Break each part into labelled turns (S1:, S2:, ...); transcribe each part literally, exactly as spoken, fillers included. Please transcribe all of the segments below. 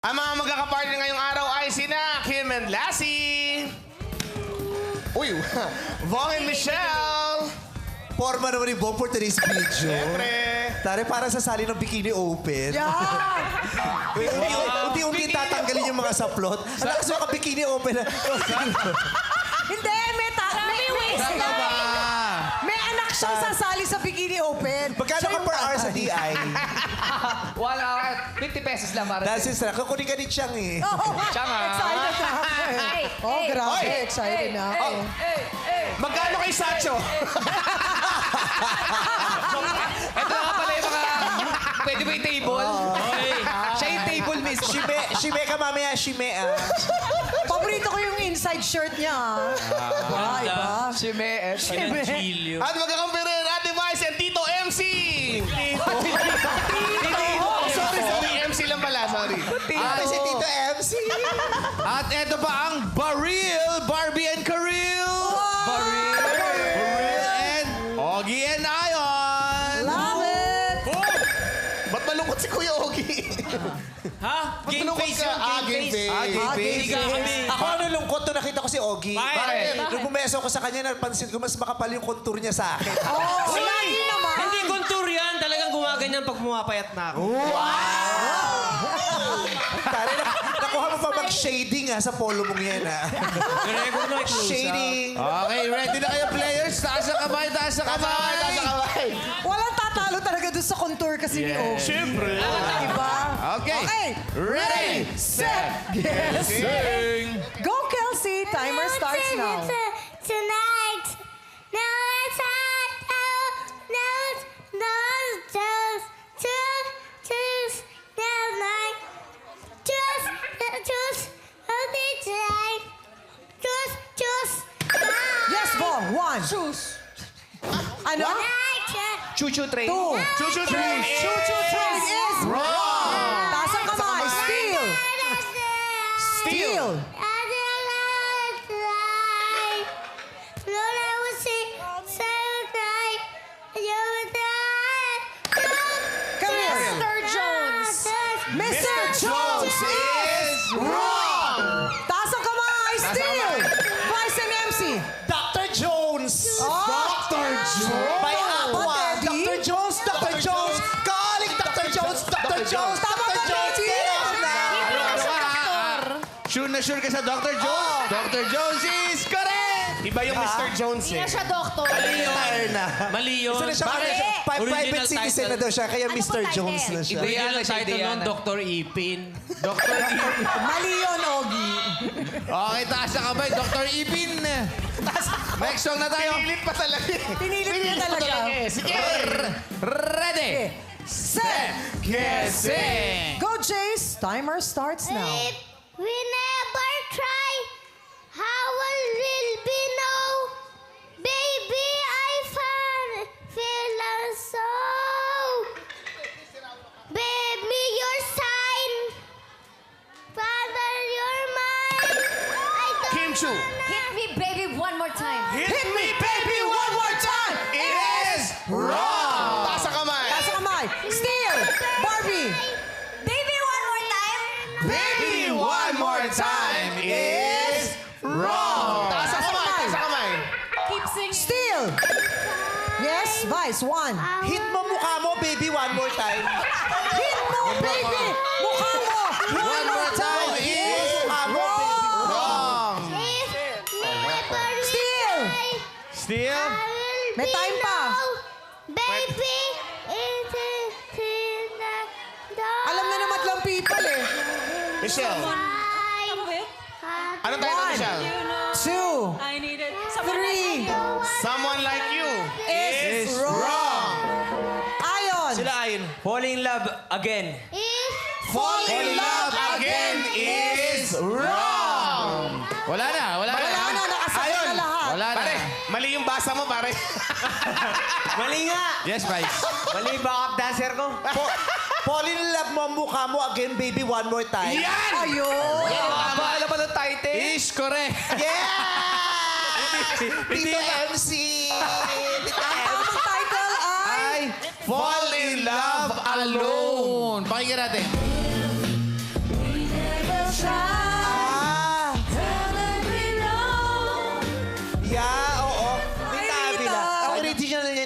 S1: Ang mga magkakapartner ngayong araw ay sina Kim and Lassie. Uy, Vong and Michelle.
S2: Forma naman ni Bong for today's video.
S1: Siyempre.
S2: Tari, para sa sali ng Bikini Open.
S3: Yeah!
S2: Unti-unti tatanggalin yung mga saplot. Ang lakas mo ka Bikini Open.
S3: Hindi, may, ta- may waistline. May anak siyang sasali sa Bikini Open.
S2: Magkano ka per hour sa D I?
S4: Wala, fifty pesos lang para.
S2: Dahil sister, kukunin ka ni Chang eh.
S3: Oh,
S4: Siya nga.
S3: excited na ako eh.
S4: Hey,
S3: Oh,
S4: hey,
S3: grabe,
S1: hey,
S3: excited na ako.
S4: Hey, hey, hey.
S1: Magkano kay Sacho?
S4: Ito na nga pala yung mga... Pwede ba yung table? Siya yung table mismo.
S2: Shime, shime ka mamaya, shime ah.
S3: Paborito ko yung inside shirt niya. Ah, iba.
S4: Si Me.
S3: Shime.
S1: At magkakampere Ate Vice and Tito M C. Tito.
S3: Oh,
S1: Sorry, sorry. M C lang pala, sorry.
S2: Ate si Tito M C.
S5: At eto pa ang Baril, Barbie and Karil.
S4: Baril.
S5: Baril and Ogie and Ion.
S3: Love it!
S1: Ba't malungkot si Kuya Ogie?
S5: Ha?
S1: Ba't malungkot ka? Ah, game face.
S2: Ah, game
S3: Ah,
S2: face.
S3: game face.
S2: Ako ano lungkot to nakita ko si Ogie.
S5: Bakit?
S2: Nung bumeso ko sa kanya, napansin ko mas makapal yung contour niya sa akin.
S3: Oh, lagi naman.
S6: Hindi kontur yan. Talagang gumaganyan pag pumapayat na ako.
S2: Tari, nak- nakuha mo pa mag-shading ah, sa polo mong yan ah.
S6: Recognize close
S2: Shading.
S5: Okay, ready na kayo players? Taas ang kamay, taas ang
S1: Taas ang kamay, taas ang kamay.
S3: Walang tatalo talaga doon sa contour kasi ni Ogie.
S1: Siyempre.
S3: Diba?
S5: Okay.
S3: Okay.
S5: Ready,
S3: set, yes.
S5: sing.
S3: Go, Kelsey. Timer starts now.
S7: Tonight. Now it's hot. Now it's those just choose choose now night. Choose choose only tonight. Choose choose.
S3: Yes, Bo. One.
S4: Shoes.
S3: Ano?
S4: Choo-choo train.
S3: Two.
S1: Choo-choo train.
S3: Choo-choo train is wrong. Taas ang kamay. Steal. Steal. Come here.
S7: Mister Jones.
S3: Mister Jones is wrong. Taas ang kamay. Steal. Vice and M C.
S2: Doctor Jones.
S3: Doctor Jones.
S2: By Aqua.
S3: Teddy?
S2: Doctor Jones, Doctor Jones. Calling Doctor Jones, Doctor Jones,
S3: Tama
S2: Doctor
S3: ba,
S2: Jones.
S3: Teddy?
S2: Get off na.
S5: Sure na sure ka sa Doctor Jones. Doctor Jones is correct.
S1: Iba yung Mister Jones eh.
S7: siya doktor.
S2: Retire na.
S6: Mali yun.
S2: Isa na siya,
S6: Bakit?
S2: pri- private
S6: Original
S2: citizen
S6: title.
S2: na daw siya, kaya
S7: Ano
S2: Mister
S7: pong
S2: Jones
S7: title?
S2: na siya.
S6: Original
S4: Diana, si
S6: title nun,
S4: Diana.
S6: Doctor Ipin.
S5: Doctor Ipin.
S3: Mali yun, Ogie.
S5: Okay, taas ang kamay, Doctor Ipin. Next song na tayo.
S1: Pinilit pa talaga eh.
S3: Pinilit niya talaga.
S1: Sige.
S5: Ready,
S3: Set.
S5: get, sing.
S3: Go, Jace. Timer starts now.
S7: If we never try, how will we know? Baby, I found feel so. Baby, your sign. Father, you're mine. I don't
S1: Kim Chu.
S7: Hit me, baby, one more time.
S3: Hit me, baby, one more time.
S1: Is wrong. Taas ang kamay.
S3: Taas ang kamay. Steal. Barbie.
S7: Baby, one more time.
S5: Baby, one more time is wrong.
S1: Taas ang kamay. Taas ang kamay.
S7: Keep singing.
S3: Steal. Yes, Vice. One.
S2: Hit mo mukha mo, baby, one more time.
S3: Hit mo, baby. Mukha mo.
S5: One more time is wrong.
S3: Steal.
S5: Still,
S3: May time pa.
S7: Baby, it is in the dark.
S3: Alam na naman lang people eh.
S1: Michelle. Anong title,
S3: One.
S1: Michelle?
S3: Two.
S8: I needed
S3: Three.
S1: Someone like you
S3: Is wrong. Ion.
S6: Sila ayon. Falling in love again.
S7: Is
S1: Fall in love again is wrong.
S5: wala na, wala na.
S3: Wala na, nakasakit na lahat.
S5: Wala na.
S1: Pare, mali yung basa mo, pare.
S6: Mali nga.
S5: Yes, Vice.
S6: Mali backup dancer ko.
S2: Po- Fall in love mo ang mukha mo again, baby, one more time.
S1: Yan!
S3: Ayun.
S4: Bahala pa ng title.
S5: Is correct.
S2: Yeah! Tito M C! Tito
S3: Ang
S2: M C!
S3: tamang title ay...
S5: Fall in love alone. Pakinggan natin.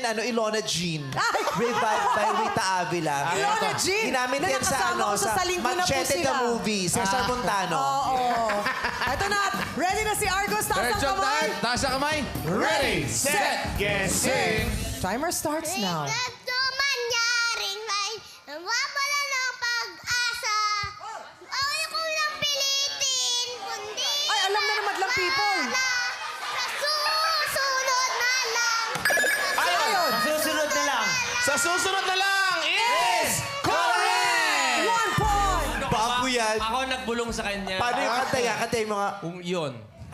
S2: ano, Ilona Jean. Revived by Rita Avila.
S3: Ilona Jean,
S2: Ginamit
S3: na
S2: yan sa
S3: nakasama
S2: ano,
S3: ko sa
S2: sa
S3: Salinggo na po
S2: Machete
S3: sila.
S2: the Movie, Cesar Montano.
S3: Oo. Ito na. Ready na si Argos. Taas
S5: Third
S3: ang
S5: job
S3: kamay.
S5: time. Taas ang kamay.
S1: Ready, set, get, sing.
S3: Timer starts now.
S7: Ito mangyaring may nawawala ng pag-asa. Ayaw ko lang pilitin, kundi
S3: Ay, alam na naman lang people.
S7: sa susunod na lang.
S3: Ayun.
S6: Susunod na lang.
S1: Sa susunod na lang is correct!
S3: One point.
S2: Bago yan.
S6: Ako nagbulong sa kanya.
S2: Paano yung kanta yan? Kanta yung mga...
S5: Kung yun.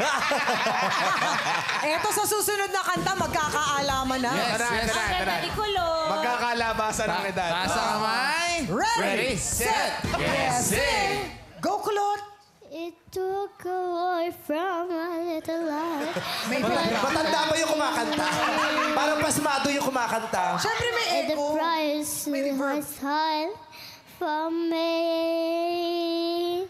S3: Eto sa susunod na kanta, magkakaalaman na.
S5: Yes,
S1: Tara,
S5: yes.
S1: tara, tara. Magkakalabasan ng edad.
S5: Taas ang kamay.
S3: Ready,
S5: set,
S3: yes, sing. Go, Kulot.
S7: It took away from my little life.
S2: Matanda ba yung kumakanta? Parang pasmado yung kumakanta.
S3: Siyempre may
S7: And the
S3: echo.
S7: price was high for me.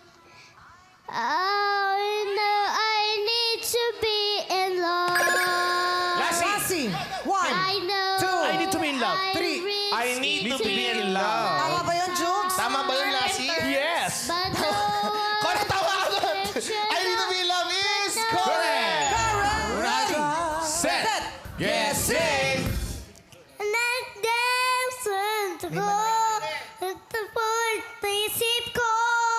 S7: I know I need to be in love.
S1: Lassie.
S3: Lassie. One.
S7: I know.
S3: Two.
S1: I need to be in love.
S7: I
S3: Three.
S7: reach
S1: I need to be in love.
S3: Tama ba yun, Jugs?
S1: Tama ba yun, Lassie? Yes!
S7: But no
S1: Correct, tama ka doon. I need to be in love is correct!
S3: Correct. Ready,
S1: Set, get, sing.
S7: Nag-dance ko. At tapos naisip ko.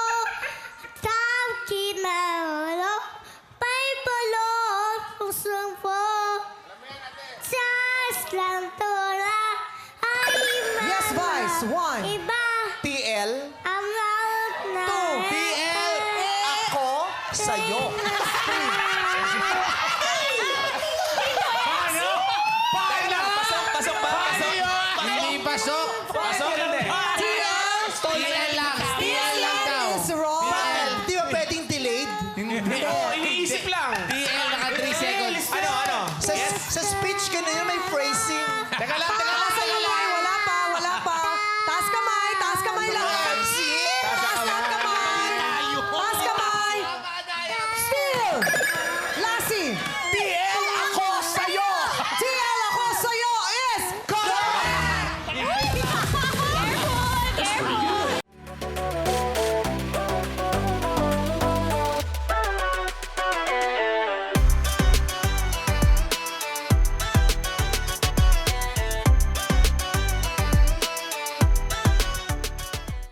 S7: Tawag na wala. Pa'y balot pusong po. Just lang tola. Ay,
S3: Yes, Vice. One.
S7: Iba.
S2: T L,
S7: Ang out na.
S3: Two.
S2: T L, ako, sa'yo.